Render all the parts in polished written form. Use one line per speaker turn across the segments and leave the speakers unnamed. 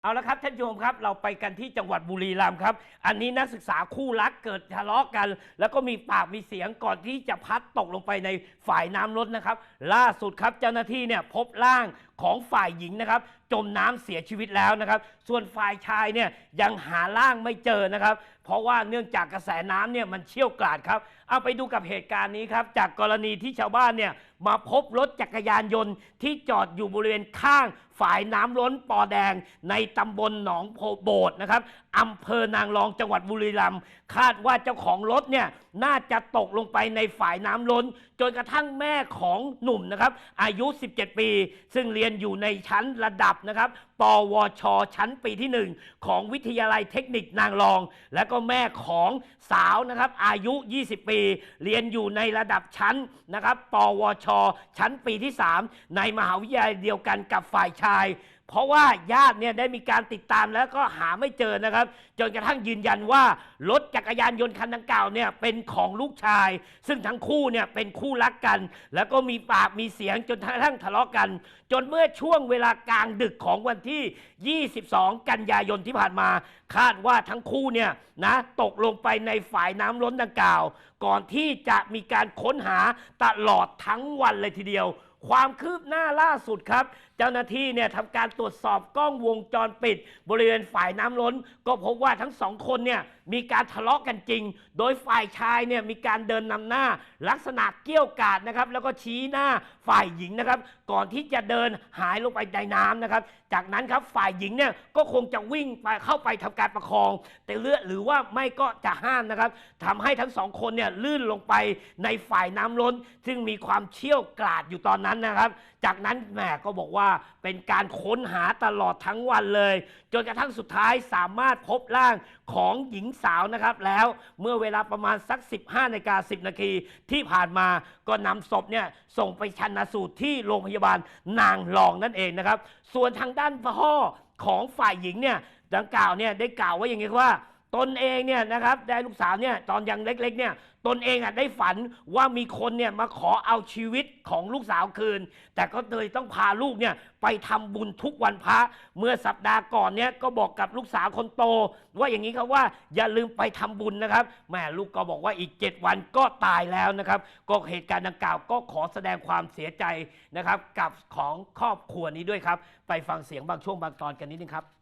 เอาละครับท่านผู้ชมครับเราไปกันที่จังหวัดบุรีรัมย์ครับอันนี้นักศึกษาคู่รักเกิดทะเลาะกันแล้วก็มีปากมีเสียงก่อนที่จะพัดตกลงไปในฝ่ายน้ำล้นนะครับล่าสุดครับเจ้าหน้าที่เนี่ยพบร่างของฝ่ายหญิงนะครับจมน้ำเสียชีวิตแล้วนะครับส่วนฝ่ายชายเนี่ยยังหาร่างไม่เจอนะครับเพราะว่าเนื่องจากกระแสน้ำเนี่ยมันเชี่ยวกราดครับเอาไปดูกับเหตุการณ์นี้ครับจากกรณีที่ชาวบ้านเนี่ยมาพบรถจักรยานยนต์ที่จอดอยู่บริเวณข้างฝ่ายน้ำล้นปอแดงในตำบลหนองโบดนะครับอำเภอนางรองจังหวัดบุรีรัมย์คาดว่าเจ้าของรถเนี่ยน่าจะตกลงไปในฝ่ายน้ำล้นจนกระทั่งแม่ของหนุ่มนะครับอายุ17ปีซึ่งเรียนอยู่ในชั้นระดับนะครับปวชชั้นปีที่1ของวิทยาลัยเทคนิคนางรองและก็แม่ของสาวนะครับอายุ20ปีเรียนอยู่ในระดับชั้นนะครับปวชชั้นปีที่3ในมหาวิทยาลัยเดียวกันกับฝ่ายชายเพราะว่าญาติเนี่ยได้มีการติดตามแล้วก็หาไม่เจอนะครับจนกระทั่งยืนยันว่ารถจักรยานยนต์คันดังกล่าวเนี่ยเป็นของลูกชายซึ่งทั้งคู่เนี่ยเป็นคู่รักกันแล้วก็มีปากมีเสียงจนกระทั่งทะเลาะกันจนเมื่อช่วงเวลากลางดึกของวันที่22กันยายนที่ผ่านมาคาดว่าทั้งคู่เนี่ยนะตกลงไปในฝ่ายน้ำล้นดังกล่าวก่อนที่จะมีการค้นหาตลอดทั้งวันเลยทีเดียวความคืบหน้าล่าสุดครับเจ้าหน้าที่เนี่ยทำการตรวจสอบกล้องวงจรปิดบริเวณฝ่ายน้ำล้นก็พบว่าทั้งสองคนเนี่ยมีการทะเลาะกันจริงโดยฝ่ายชายเนี่ยมีการเดินนำหน้าลักษณะเกี้ยวกาดนะครับแล้วก็ชี้หน้าฝ่ายหญิงนะครับก่อนที่จะเดินหายลงไปในน้ำนะครับจากนั้นครับฝ่ายหญิงเนี่ยก็คงจะวิ่งไปเข้าไปทำการประคองแต่เลือดหรือว่าไม่ก็จะห้ามนะครับทำให้ทั้งสองคนเนี่ยลื่นลงไปในฝ่ายน้ำล้นซึ่งมีความเชี่ยวกราดอยู่ตอนนั้นนะครับจากนั้นแม่ก็บอกว่าเป็นการค้นหาตลอดทั้งวันเลยจนกระทั่งสุดท้ายสามารถพบร่างของหญิงสาวนะครับแล้วเมื่อเวลาประมาณสัก 15:10 นาทีที่ผ่านมาก็นำศพเนี่ยส่งไปชันสูตรที่โรงพยาบาลนางรองนั่นเองนะครับส่วนทางด้านพ่อของฝ่ายหญิงเนี่ยดังกล่าวเนี่ยได้กล่าวไว้อย่างนี้ว่าตนเองเนี่ยนะครับได้ลูกสาวเนี่ยตอนยังเล็กๆเนี่ยตนเองได้ฝันว่ามีคนเนี่ยมาขอเอาชีวิตของลูกสาวคืนแต่ก็เลยต้องพาลูกเนี่ยไปทำบุญทุกวันพระเมื่อสัปดาห์ก่อนเนี่ยก็บอกกับลูกสาวคนโตว่าอย่างนี้ครับว่าอย่าลืมไปทำบุญนะครับแม่ลูกก็บอกว่าอีก7วันก็ตายแล้วนะครับก็เหตุการณ์ดังกล่าวก็ขอแสดงความเสียใจนะครับกับของครอบครัวนี้ด้วยครับไปฟังเสียงบางช่วงบางตอนกันนิดนึงครับ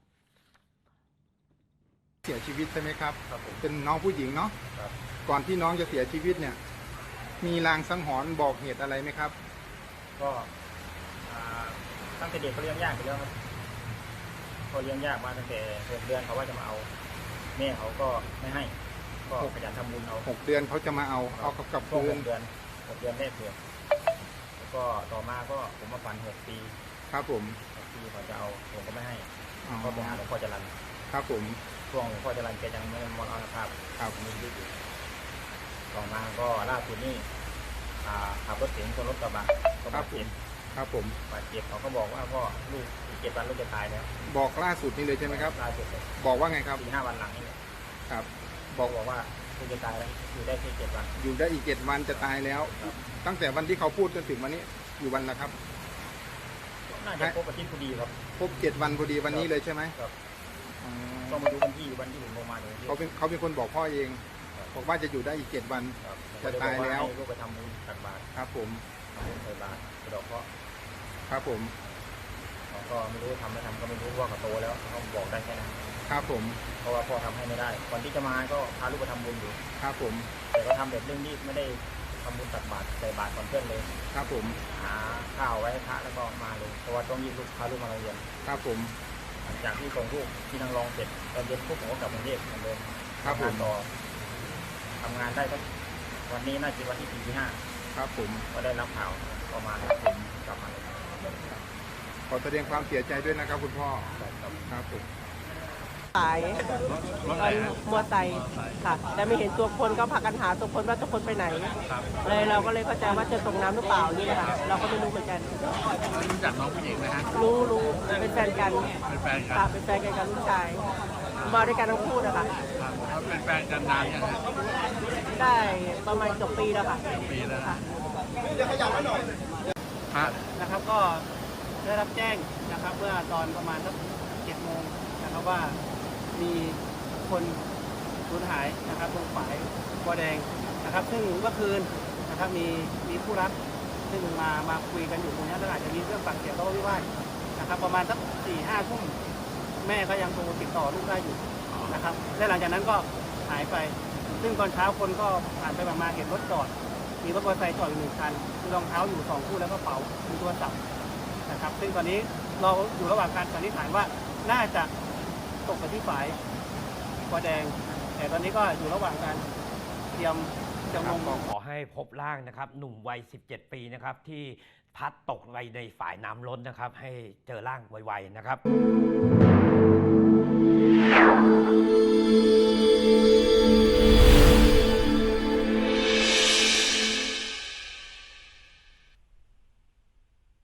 เสียชีวิตใช่ไหมครับเป็นน้องผู้หญิงเนาะก่อนที่น้องจะเสียชีวิตเนี่ยมีลางสังหรณ์บอกเหตุอะไรไหมครับ
ก็ตั้งแต่เด็กเขาเลี้ยงยากไปแล้วครับเขาเลี้ยงยากมาตั้งแต่6 เดือนเขาว่าจะมาเอาแม่เขาก็ไม่ให้ก็ขยันทำบุญเอา
6 เดือนเขาจะมาเอากับ
ช่วง
คืน
6 เดือนแรกเดือนแล้วก็ต่อมาก็ผมมาฝัน6 ปี
ครับผม
6 ปีเขาจะเอาผมก็ไม่ให้ก็ไปหาหลวงพ่อจรัญ
ครับผม
ช่วงหลวงพ่อจรัญแกยังไม่มรณภาพ
ครับ
มีชีวิตอยู่ต่อมาก็ล่าสุดนี่ขับรถเก๋งชนรถกระบะก็บาดเจ็บ
ครับผม
บาดเจ็บเขาก็บอกว่าพ่อลูกอีก7 วันลูกจะตายแล้ว
บอกล่าสุดนี่เลยใช่ไหมครับ
ล่าสุด
บอกว่าไงครับ
4-5 วันหลังนี่
ครับ
บอกว่าลูกจะตายแล้วอยู่ได้แค่7 วัน
อยู่ได้อีก7 วันจะตายแล้วตั้งแต่วันที่เขาพูดจนถึงวันนี้อยู่วันละครับ
น่าจะครบอาทิตย์พอดีครับ
ครบ7 วันพอดีวันนี้เลยใช่ไหม
ครับต้องมาดูวันที่ผมลงมาเลย
เขาเป็นคนบอกพ่อเองบอกว่าจะอยู่ได้อีก7 วันจะตายแล้ว
ลูกไปทำบุญตักบาตร
ครับผม
ทำบุญใส่บาตรกระดอกเพราะ
ครับผม
เขาก็ไม่รู้ทำไม่ทำก็ไม่รู้ว่าเขาโตแล้วเขาบอกได้แค่นั้น
ครับผม
เพราะว่าพ่อทำให้ไม่ได้ก่อนที่จะมาก็พาลูกไปทำบุญอยู่
ครับผม
แต่ก็ทำแบบเร่งรีบไม่ได้ทำบุญตักบาตรใส่บาตรก่อนเพื่อนเลย
ครับผม
หาข้าวไว้ให้พระแล้วก็มาเลยเพราะว่าต้องรีบพาลูกมาโรงเรียน
ครับผม
หลังจากที่ส่งลูกที่นางรองเสร็จตอนเย็นพวกผมก็กลับกรุงเทพเหมือนเดิม
ครับผม
ต่อทำงานได้ก็วันนี้น่าจะวันที่4 ที่ 5
ครับผม
ก็ได้รับข่าวประมาณผมกลับมาเลย
ขอแสดงความเสียใจด้วยนะครับคุณพ่อครับผม
สายมอไซค์ค่ะแต่ไม่เห็นตัวคนก็พากันหาตัวคนว่าตัวคนไปไหนเลยเราก็เลยเข้าใจว่าจะตกน้ำหรือเปล่านี่ค่ะเราก็ไม่รู้เหมือนกัน
รู้จักน้องผู้หญิงไหมฮะ
รู้เป็นแฟนกัน
เป็นแฟนกัน
ค่ะเป็นแฟนกันกับลูกชายมาด้วยกันทั้งคู่นะคะ
เขาเป็นแฟนกันนานยังไง
ได้ประมาณเกือบปีแล้วค่ะ
ปีแล้ว
ค่ะ
นะครับ
ก็ได้รับแจ้งนะครับเมื่อตอนประมาณสัก7 โมง
นะครับว่ามีคนสูญหายนะครับตรงฝายบัวแดงนะครับซึ่งเมื่อคืนนะครับมีผู้รับซึ่งมาคุยกันอยู่ตรงนี้แล้วอาจจะมีเรื่องปากเสียงทะเลาะวิวาทนะครับประมาณสัก4-5 ทุ่มแม่ก็ยังโทรติดต่อลูกได้อยู่นะครับและหลังจากนั้นก็หายไปซึ่งตอนเช้าคนก็ผ่านไปมาเห็นรถจอดมีรถมอเตอร์ไซค์จอดอยู่1 คันมีรองเท้าอยู่2 คู่แล้วก็กระเป๋ามีโทรศัพท์นะครับซึ่งตอนนี้เราอยู่ระหว่างการสันนิษฐานว่าน่าจะตกไปที่ฝายบัวแดงแต่ตอนนี้ก็อยู่ระหว่างการเตรียมจะ
ค
ล
รับ
ง
ก็ขอให้พบร่างนะครับหนุ่มวัย 17 ปีนะครับที่พัดตกไปในฝ่ายน้ำล้นนะครับ ให้เจอร่างไวๆนะครับ